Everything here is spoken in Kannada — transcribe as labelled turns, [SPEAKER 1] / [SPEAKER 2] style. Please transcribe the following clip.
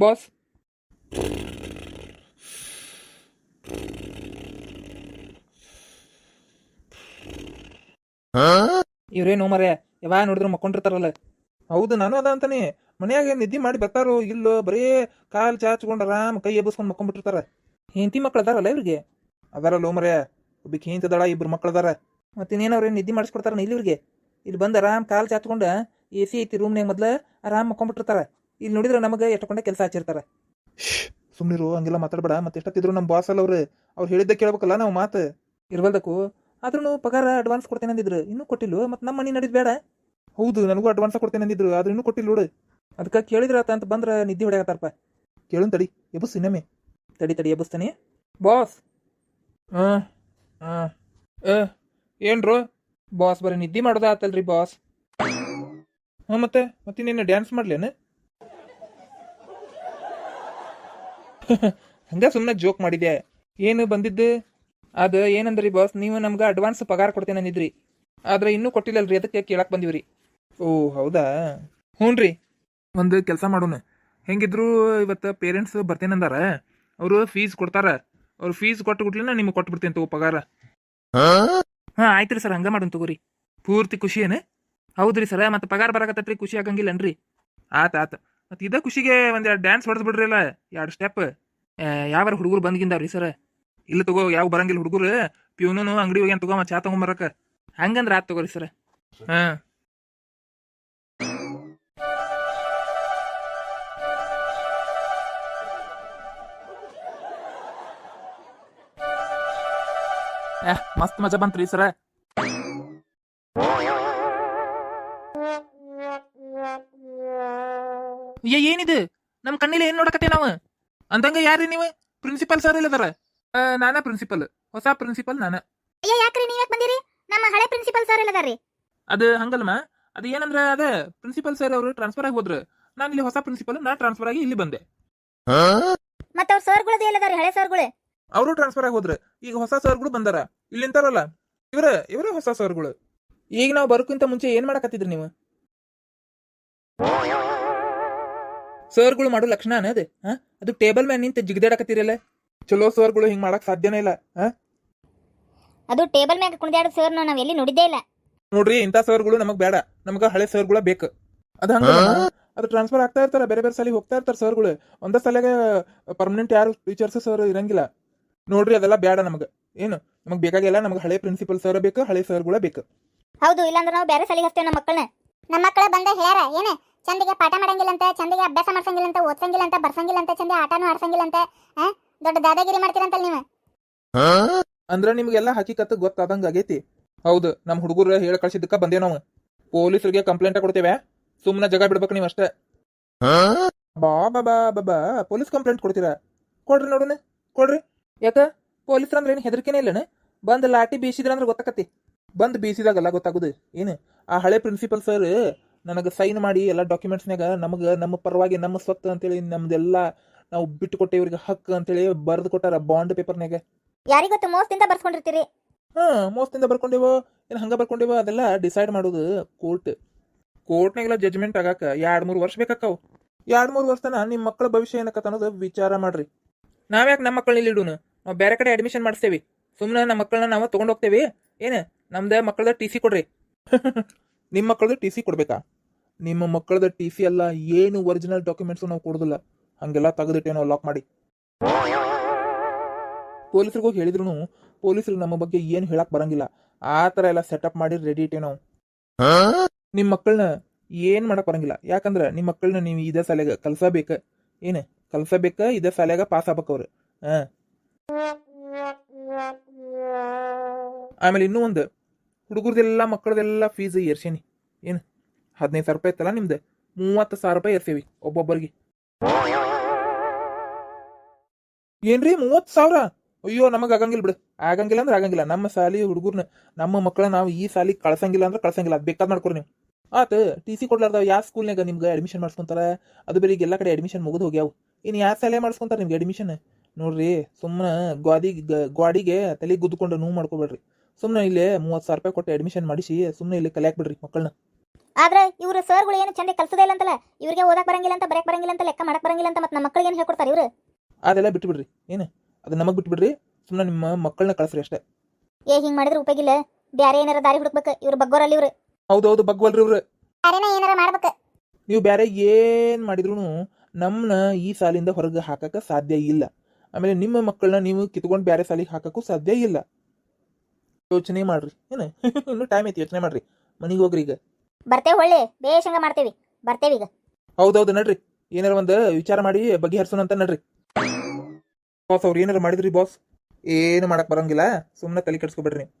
[SPEAKER 1] ಬಾಸ್. ಇವ್ರೇನು ಮರೆ ಯಾವಾಗ ನೋಡಿದ್ರು ಮಕ್ಕೊಂಡಿರ್ತಾರಲ್ಲ. ಹೌದು, ನಾನು ಅದ ಅಂತಾನೆ. ಮನ್ಯಾಗ ನಿದ್ದೆ ಮಾಡಿ ಬರ್ತಾರೋ ಇಲ್ಲೋ ಬರೀ ಕಾಲ್ ಚಾಚ್ಕೊಂಡು ಆರಾಮ್ ಕೈ ಎಬ್ಬಿಸ್ಕೊಂಡು ಮಕ್ಕೊಂಡ್ಬಿಟ್ಟಿರ್ತಾರ. ಹೆಂಡತಿ ಮಕ್ಳು ಅದಾರಲ್ಲ ಇವ್ರಿಗೆ. ಅದಾರಲ್ಲ ಮರೆ, ಒಬ್ಬಕ್ಕೆ ಹೆಂತದಾಳ, ಇಬ್ರು ಮಕ್ಳು ಅದಾರ. ಮತ್ತಿನ್ನೇನು ಅವ್ರೇನು ನಿದ್ದೆ ಮಾಡಿಸ್ಕೊಡ್ತಾರ ಇಲ್ಲಿ ಇವ್ರಿಗೆ. ಇಲ್ಲಿ ಬಂದು ಆರಾಮ್ ಕಾಲ್ ಚಾಚ್ಕೊಂಡು ಎ ಸಿ ಐತಿ ರೂಮ್ನಾಗ ಮೊದ್ಲು ಆರಾಮ್ ಮಕ್ಕೊಂಡ್ಬಿಟ್ಟಿರ್ತಾರ. ಇಲ್ಲಿ ನೋಡಿದ್ರೆ ನಮಗೆ ಎಷ್ಟಕೊಂಡೆ ಕೆಲಸ ಹಚ್ಚಿರ್ತಾರ. ಸುಮ್ಮನಿರು, ಹಂಗೆಲ್ಲ ಮಾತಾಡ್ಬೇಡ. ಮತ್ತೆ ಎಷ್ಟೊತ್ತಿದ್ರು ನಮ್ಮ ಬಾಸ್ ಅಲ್ಲ ಅವ್ರು ಹೇಳಿದ್ದೆ ಕೇಳ್ಬೇಕಲ್ಲ ನಾವು ಮಾತು ಇರ್ಬಲ್ದಕ್ಕೂ. ಆದ್ರೂ ಪಗಾರ ಅಡ್ವಾನ್ಸ್ ಕೊಡ್ತೇನೆ ಅಂದಿದ್ರು, ಇನ್ನೂ ಕೊಟ್ಟಿಲ್ಲ. ಮತ್ತೆ ನಮ್ಮ ಮನೆ ನಡೀದ್ ಬೇಡ. ಹೌದು, ನನಗೂ ಅಡ್ವಾನ್ಸ್ ಕೊಡ್ತೇನೆ ಅಂದಿದ್ರು, ಆದ್ರೂ ಇನ್ನೂ ಕೊಟ್ಟಿಲ್ಲ ನೋಡು. ಅದಕ್ಕೆ ಕೇಳಿದ್ರಾತ ಅಂತ ಬಂದ್ರೆ ನಿದ್ದೆ ಹೊಡೆಯತ್ತಾರಪ್ಪ. ಕೇಳುನ್ ತಡಿ, ಎಬ್ಬಸ್ ಇನ್ನೊಮ್ಮೆ. ತಡಿ ಎಬ್ಬಸ್ತಾನೆ ಬಾಸ್. ಹಾಂ ಹಾಂ ಏನ್ರು ಬಾಸ್, ಬರೀ ನಿದ್ದೆ ಮಾಡೋದ ಆತಲ್ರಿ ಬಾಸ್. ಹಾಂ ಮತ್ತಿನ್ನೇನು ಡ್ಯಾನ್ಸ್ ಮಾಡ್ಲೇನು? ಹಂಗ ಸುಮ್ಮನೆ ಜೋಕ್ ಮಾಡಿದೆ. ಏನು ಬಂದಿದ್ದು ಅದು ಏನಂದ್ರಿ ಬಾಸ್, ನೀವು ನಮ್ಗೆ ಅಡ್ವಾನ್ಸ್ ಪಗಾರ ಕೊಡ್ತೇನೆ ಅಂದಿದ್ರಿ, ಆದ್ರೆ ಇನ್ನೂ ಕೊಟ್ಟಿಲ್ಲಲ್ರಿ, ಅದಕ್ಕೆ ಕೇಳಕ್ ಬಂದಿವ್ರಿ. ಓ ಹೌದಾ, ಹ್ಞೂ ರೀ. ಒಂದು ಕೆಲಸ ಮಾಡೋಣ, ಹೆಂಗಿದ್ರು ಇವತ್ತು ಪೇರೆಂಟ್ಸ್ ಬರ್ತೇನಂದಾರ. ಅವರು ಫೀಸ್ ಕೊಡ್ತಾರ. ಅವ್ರು ಫೀಸ್ ಕೊಟ್ಟು ಬಿಡ್ಲಿನ ನಿಮ್ಗೆ ಕೊಟ್ಬಿಡ್ತೇನೆ ತಗೋ ಪಗಾರ. ಹಾಂ ಆಯ್ತು ರೀ ಸರ್, ಹಂಗ ಮಾಡೋಣ ತಗೋರಿ. ಪೂರ್ತಿ ಖುಷಿ ಏನು? ಹೌದ್ರಿ ಸರ, ಮತ್ತೆ ಪಗಾರ ಬರಕತ್ತೈತ್ರಿ, ಖುಷಿ ಆಗಂಗಿಲ್ಲನ್ರಿ? ಆತ ಮತ್ತೆ ಇದ ಖುಷಿಗೆ ಒಂದೆರಡು ಡ್ಯಾನ್ಸ್ ಹೊಡೆದ್ ಬಿಡ್ರಿ ಅಲ್ಲ, 2 ಸ್ಟೆಪ್. ಯಾವಾರ ಹುಡುಗರು ಬಂದ್ಗಿಂದಾವ್ರಿ ಸರ? ಇಲ್ಲ ತಗೋ, ಯಾವ ಬರಂಗಿಲ್ಲ ಹುಡುಗರು. ಪ್ಯೂನು ಅಂಗಡಿ ಹೋಗಿ ಅಂತ ತಗೋ ಚಾ ತಗೊಂಬರಕ. ಹಂಗಂದ್ರೆ ಆತ್ ತಗೋರಿ ಸರ. ಹಾಂ ಮಸ್ತ್ ಮಜಾ ಬಂತ್ರಿ ಸರ. ಏನಿದು ನಮ್ ಕಣ್ಣಿಲ್ಲ, ಏನ್ ನೋಡಕತ್ತೆ ನಾವು? ಅಂದಂಗ ಯಾರ್ರಿ ನೀವು? ಪ್ರಿನ್ಸಿಪಲ್ ಸರ್ ಇಲ್ಲದಾರ? ನಾನ ಪ್ರಿನ್ಸಿಪಲ್, ಹೊಸ ಪ್ರಿನ್ಸಿಪಲ್ ನಾನ.
[SPEAKER 2] ಅಯ್ಯ ಯಾಕ್ರಿ ನೀವ್ ಯಾಕೆ ಬಂದಿರಿ? ನಮ್ಮ ಹಳೆ ಪ್ರಿನ್ಸಿಪಲ್ ಸರ್ ಇಲ್ಲದಾರ್ರಿ.
[SPEAKER 1] ಅದು ಹಂಗಲ್ಮ, ಅದು ಏನಂದ್ರ ಅದ ಪ್ರಿನ್ಸಿಪಲ್ ಸರ್ ಅವರು ಟ್ರಾನ್ಸ್ಫರ್ ಆಗಿ ಹೋದ್ರು. ನಾನು ಇಲ್ಲಿ ಹೊಸ ಪ್ರಿನ್ಸಿಪಲ್, ನಾ ಟ್ರಾನ್ಸ್ಫರ್ ಆಗಿ ಇಲ್ಲಿ ಬಂದೆ.
[SPEAKER 2] ಮತ್ತ ಅವ್ರ ಸರ್ಗಳದ್ದು ಎಲ್ಲದಾರ್ರಿ, ಹಳೆ ಸರ್ಗಳು?
[SPEAKER 1] ಅವರು ಟ್ರಾನ್ಸ್ಫರ್ ಆಗಿ ಹೋದ್ರು, ಈಗ ಹೊಸ ಸರ್ಗಳು ಬಂದಾರ. ಇಲ್ಲಿ ನಿಂತಾರಲ್ಲ ಇವರೇ ಹೊಸ ಸರ್ಗಳು. ಈಗ ನಾವು ಬರೋಕ್ಕಿಂತ ಮುಂಚೆ ಏನ್ ಮಾಡಕತ್ತಿದ್ರಿ ನೀವು? ಸರ್ಗಳು ಮಾಡೋ ಲಕ್ಷಣ ಅನ್ನೋದು ಅದು ಟೇಬಲ್ ಮ್ಯಾನ್ ನಿಂತ ಜಿಗದಾಡಕತ್ತೀರಲ್ಲ. ಚಲೋ ಸರ್ಗಳು ಹಿಂಗ್ ಮಾಡಕ್ ಸಾಧ್ಯನೇ ಇಲ್ಲ.
[SPEAKER 2] ಅದು ಟೇಬಲ್ ಮ್ಯಾಗ ಕುಣಿದಾಡೋ ಸರ್ ನಾವ್ ಎಲ್ಲಿ ನೋಡಿದ್ದೇ ಇಲ್ಲ
[SPEAKER 1] ನೋಡ್ರಿ. ಇಂಥ ಸರ್ಗಳು ನಮಗ್ ಬೇಡ, ನಮಗ ಹಳೆ ಸರ್ಗಳ ಬೇಕು. ಅದು ಹಂಗ, ಅದು ಟ್ರಾನ್ಸ್ಫರ್ ಆಗ್ತಾ ಇರ್ತಾರ, ಬೇರೆ ಬೇರೆ ಸಾಲಿಗೆ ಹೋಗ್ತಾ ಇರ್ತಾರ ಸರ್ಗಳು. ಒಂದ ಸಲಿಗೆ ಪರ್ಮನೆಂಟ್ ಯಾರು ಟೀಚರ್ಸ್ ಸರ್ ಇರಂಗಿಲ್ಲ ನೋಡ್ರಿ. ಅದೆಲ್ಲ ಬೇಡ ನಮಗ. ಏನು ನಮಗ್ ಬೇಕಾಗಿಲ್ಲ, ನಮಗ್ ಹಳೆ ಪ್ರಿನ್ಸಿಪಲ್ ಸರ್ ಬೇಕು, ಹಳೆ ಸರ್ಗಳ ಬೇಕು.
[SPEAKER 2] ಹೌದು, ಇಲ್ಲಾಂದ್ರೆ ನಾವು ಬೇರೆ ಸಾಲಿಗೆ ಹಚ್ತೇವೆ ನಮ್ಮ ಮಕ್ಕಳನ್ನ. ನಮ್ಮ ಮಕ್ಕಳ ಬಂದ ಹೇಳ್ಯಾರ ಏನ, ಚಂದಿಗೆ ಪಾಠ ಮಾಡಂಗಿಲ್ಲ ಅಂತ, ಚಂದಿಗೆ ಅಭ್ಯಾಸ ಮಾಡ್ಸಂಗಿಲ್ಲ ಅಂತ, ಓದ್ಸಂಗಿಲ್ಲ ಅಂತ, ಬರ್ಸಂಗಿಲ್ಲ ಅಂತ, ಚಂದ ಆಟನೂ ಆಡ್ಸಂಗಿಲ್ಲ ಅಂತ. ದೊಡ್ಡ ದಾದಾಗಿರಿ ಮಾಡ್ತೀರಂತಲ್ಲ ನೀವು.
[SPEAKER 1] ಅಂದ್ರ ನಿಮ್ಗೆಲ್ಲ ಹಕಿಕತ್ ಗೊತ್ತಾದಂಗ ಆಗೈತಿ. ಹೌದು, ನಮ್ ಹುಡುಗರು ಹೇಳ ಕಳ್ಸಿದ್ದಕ್ಕ ಬಂದೇ ನಾವು. ಪೊಲೀಸರಿಗೆ ಕಂಪ್ಲೇಂಟ್ ಕೊಡ್ತೇವೆ, ಸುಮ್ಮನೆ ಜಗ ಬಿಡ್ಬೇಕು ನೀವು ಅಷ್ಟೇ. ಬಾ ಪೊಲೀಸ್ ಕಂಪ್ಲೇಂಟ್ ಕೊಡ್ತೀರಾ? ಕೊಡ್ರಿ ನೋಡೋಣ, ಕೊಡ್ರಿ. ಯಾಕ ಪೊಲೀಸ್ರ ಅಂದ್ರೆ ಏನು ಹೆದರಿಕೆನೇ ಇಲ್ಲನ? ಬಂದ್ ಲಾಟಿ ಬೀಸಿದ್ರ ಅಂದ್ರೆ ಗೊತ್ತಾಕತಿ. ಬಂದ್ ಬೀಸಿದಾಗಲ್ಲ ಗೊತ್ತಾಗುದು. ಏನು ಆ ಹಳೆ ಪ್ರಿನ್ಸಿಪಲ್ ಸರ್ ನನಗೆ ಸೈನ್ ಮಾಡಿ ಎಲ್ಲ ಡಾಕ್ಯುಮೆಂಟ್ಸ್ನಾಗ ನಮಗೆ ನಮ್ಮ ಪರವಾಗಿ ನಮ್ಮ ಸ್ವತ್ತು ಅಂತೇಳಿ ನಮ್ದೆಲ್ಲ ನಾವು ಬಿಟ್ಟು ಕೊಟ್ಟೆ ಇವ್ರಿಗೆ ಹಕ್ಕು ಅಂತೇಳಿ ಬರೆದು ಕೊಟ್ಟಾರ ಬಾಂಡ್ ಪೇಪರ್ನಾಗ.
[SPEAKER 2] ಯಾರಿಗೊತ್ತು ಮೋಸದಿಂದ ಬರ್ಸ್ಕೊಂಡಿರ್ತೀರಿ.
[SPEAKER 1] ಮೋಸದಿಂದ ಬರ್ಕೊಂಡೇವೋ ಏನು ಹಂಗ ಬರ್ಕೊಂಡೇವೋ ಅದೆಲ್ಲ ಡಿಸೈಡ್ ಮಾಡೋದು ಕೋರ್ಟ್ನಾಗೆಲ್ಲ ಜಜ್ಮೆಂಟ್ ಆಗಾಕ 2-3 ವರ್ಷ ಬೇಕಾಕವು. 2-3 ವರ್ಷ ತನ ನಿಮ್ಮ ಮಕ್ಕಳ ಭವಿಷ್ಯ ಏನಕತ್ತ ಅನ್ನೋದು ವಿಚಾರ ಮಾಡ್ರಿ. ನಾವ್ಯಾಕೆ ನಮ್ಮ ಮಕ್ಕಳನ್ನ ಇಲ್ಲಿ ಇಡೋಣ? ನಾವು ಬೇರೆ ಕಡೆ ಅಡ್ಮಿಷನ್ ಮಾಡಿಸ್ತೇವಿ. ಸುಮ್ಮನೆ ನಮ್ಮ ಮಕ್ಕಳನ್ನ ನಾವು ತೊಗೊಂಡು ಹೋಗ್ತೇವಿ. ಏನು ನಮ್ದು ಮಕ್ಕಳದ ಟಿ ಸಿ ಕೊಡ್ರಿ. ನಿಮ್ಮ ಮಕ್ಕಳದ ಟಿ ಸಿ ಕೊಡ್ಬೇಕಾ? ನಿಮ್ಮ ಮಕ್ಕಳದ ಟಿ ಸಿ ಅಲ್ಲ, ಏನು ಒರಿಜಿನಲ್ ಡಾಕ್ಯುಮೆಂಟ್ಸ್ ನಾವು ಕೊಡೋದಿಲ್ಲ. ಹಂಗೆಲ್ಲ ತೆಗೆದಿಟ್ಟೇನೋ ಲಾಕ್ ಮಾಡಿ. ಪೊಲೀಸರಿಗೂ ಹೇಳಿದ್ರು ಪೊಲೀಸರಿಗೆ ನಮ್ಮ ಬಗ್ಗೆ ಏನು ಹೇಳಕ್ ಬರಂಗಿಲ್ಲ. ಆ ಥರ ಎಲ್ಲ ಸೆಟಪ್ ಮಾಡಿ ರೆಡಿ ಇಟ್ಟೇವ್ ನಾವು. ನಿಮ್ಮ ಮಕ್ಕಳನ್ನ ಏನ್ ಮಾಡಕ್ ಬರಂಗಿಲ್ಲ. ಯಾಕಂದ್ರೆ ನಿಮ್ಮ ಮಕ್ಕಳನ್ನ ನೀವು ಇದೇ ಶಾಲೆಗೆ ಕಲ್ಸಬೇಕ. ಏನು ಕಲ್ಸಬೇಕ, ಇದೇ ಶಾಲೆಗ ಪಾಸ್ ಆಗ್ಬೇಕು ಅವ್ರು. ಆಮೇಲೆ ಇನ್ನೂ ಒಂದು, ಹುಡುಗರದೆಲ್ಲ ಮಕ್ಕಳದೆಲ್ಲ ಫೀಸ್ ಏರ್ಸೇನಿ. ಏನು 15,000 ರೂಪಾಯಿ ಇತ್ತಲ್ಲ ನಿಮ್ದು, 30,000 ರೂಪಾಯಿ ಏರ್ಸೇವಿ ಒಬ್ಬೊಬ್ಬರಿಗೆ. ಏನ್ರಿ 30,000? ಅಯ್ಯೋ ನಮಗೆ ಆಗಂಗಿಲ್ಲ ಬಿಡು. ಆಗಂಗಿಲ್ಲ ಅಂದ್ರೆ ಆಗಂಗಿಲ್ಲ. ನಮ್ಮ ಶಾಲಿ ಹುಡುಗರ್ನ, ನಮ್ಮ ಮಕ್ಕಳನ್ನ ನಾವು ಈ ಶಾಲಿಗೆ ಕಳ್ಸಂಗಿಲ್ಲ ಅಂದ್ರೆ ಕಳ್ಸಂಗಿಲ್ಲ. ಅದು ಬೇಕಾದ್ ಮಾಡ್ಕೊರಿ ನೀವು. ಆತ ಟಿ ಸಿ ಕೊಡ್ಲಾರ್ದಾವ ಯಾವ ಸ್ಕೂಲ್ನಾಗ ನಿಮ್ಗೆ ಅಡ್ಮಿಷನ್ ಮಾಡಿಸ್ಕೊಂತಾರ? ಅದು ಬೇರೆ ಈಗ ಎಲ್ಲ ಕಡೆ ಅಡ್ಮಿಷನ್ ಮುಗಿದು ಹೋಗ್ಯಾವು. ಇನ್ನು ಯಾವ ಶಾಲೆ ಮಾಡಿಸ್ಕೊಂತಾರ ನಿಮ್ಗೆ ಅಡ್ಮಿಷನ್? ನೋಡ್ರಿ, ಸುಮ್ಮನೆ ಗಾಡಿಗೆ ತಲೆ ಗುದ್ದುಕೊಂಡು ನೋವು ಮಾಡ್ಕೋಬೇಡ್ರಿ. ಸುಮ್ಮನೆ ಇಲ್ಲೇ 30,000 ರೂಪಾಯಿ ಕೊಟ್ಟು ಅಡ್ಮಿಷನ್ ಮಾಡಿಸಿ ಸುಮ್ಮನೆ ಇಲ್ಲಿ ಕಲಿಯಾಕ್ ಬಿಡ್ರಿ ಮಕ್ಕಳನ್ನ.
[SPEAKER 2] ಆದ್ರೆ ಇವ್ರು ಸರ್ಗಳು ಏನು ಚಂದ ಕಲ್ಸೋದೇ ಇಲ್ಲ ಅಂತಲ್ಲ, ಇವ್ರಿಗೆ ಓದಕ್ ಬರಂಗಿಲ್ಲ ಅಂತ, ಬರೆಯಕ್ ಬರಂಗಿಲ್ಲ ಅಂತ, ಲೆಕ್ಕ ಮಾಡಕ್ ಬರಂಗಿಲ್ಲ ಅಂತ, ಮತ್ತೆ ನಮ್ಮ ಮಕ್ಕಳಿಗೆ ಏನು ಹೇಳ್ಕೊಡ್ತಾರೆ ಇವ್ರು?
[SPEAKER 1] ಅದೆಲ್ಲ ಬಿಟ್ಬಿಡ್ರಿ. ಏನು ಅದು ನಮಗೆ ಬಿಟ್ಬಿಡ್ರಿ. ಸುಮ್ಮನೆ ನಿಮ್ಮ ಮಕ್ಕಳನ್ನ ಕಳಿಸ್ರಿ ಅಷ್ಟೇ.
[SPEAKER 2] ಹಿಂಗ್ ಮಾಡಿದ್ರೆ ಉಪಯೋಗ ಇಲ್ಲ. ಬ್ಯಾರೆ ಏನಾರ ದಾರಿ ಹುಡುಕ್ಬೇಕು. ಇವ್ರು ಬಗ್ಗೋರಲ್ಲಿ ಇವ್ರು.
[SPEAKER 1] ಹೌದೌದು, ಬಗ್ವಲ್ರಿ ಇವ್ರು.
[SPEAKER 2] ಬ್ಯಾರೇನ ಏನಾರ ಮಾಡ್ಬೇಕು.
[SPEAKER 1] ನೀವು ಬೇರೆ ಏನು ಮಾಡಿದ್ರು ನಮ್ಮನ್ನ ಈ ಸಾಲಿಂದ ಹೊರಗೆ ಹಾಕಕ್ಕೆ ಸಾಧ್ಯ ಇಲ್ಲ. ಆಮೇಲೆ ನಿಮ್ಮ ಮಕ್ಕಳನ್ನ ನೀವು ಕಿತ್ಕೊಂಡು ಬೇರೆ ಸಾಲಿಗೆ ಹಾಕಕ್ಕೂ ಸಾಧ್ಯ ಇಲ್ಲ. ಯೋಚನೆ ಮಾಡ್ರಿ. ಏನು ಇನ್ನೂ ಟೈಮ್ ಐತಿ, ಯೋಚನೆ ಮಾಡ್ರಿ. ಮನೆಗೆ ಹೋಗ್ರಿ ಈಗ.
[SPEAKER 2] ಬರ್ತೇವೆ, ಒಳ್ಳೆ ಬೇಷಂಗ ಮಾಡ್ತೇವಿ. ಬರ್ತೇವೆ ಈಗ.
[SPEAKER 1] ಹೌದೌದು, ನಡ್ರಿ. ಏನಾರ ಒಂದು ವಿಚಾರ ಮಾಡಿ ಬಗೆಹರಿಸೋಣ ಅಂತ ನಡ್ರಿ. ಬಾಸ್ ಅವ್ರು ಏನಾರ ಮಾಡಿದ್ರಿ ಬಾಸ್? ಏನು ಮಾಡಕ್ ಬರಂಗಿಲ್ಲ, ಸುಮ್ಮನೆ ತಲೆ ಕೆಡಿಸ್ಕೊಬೇಡ್ರಿ.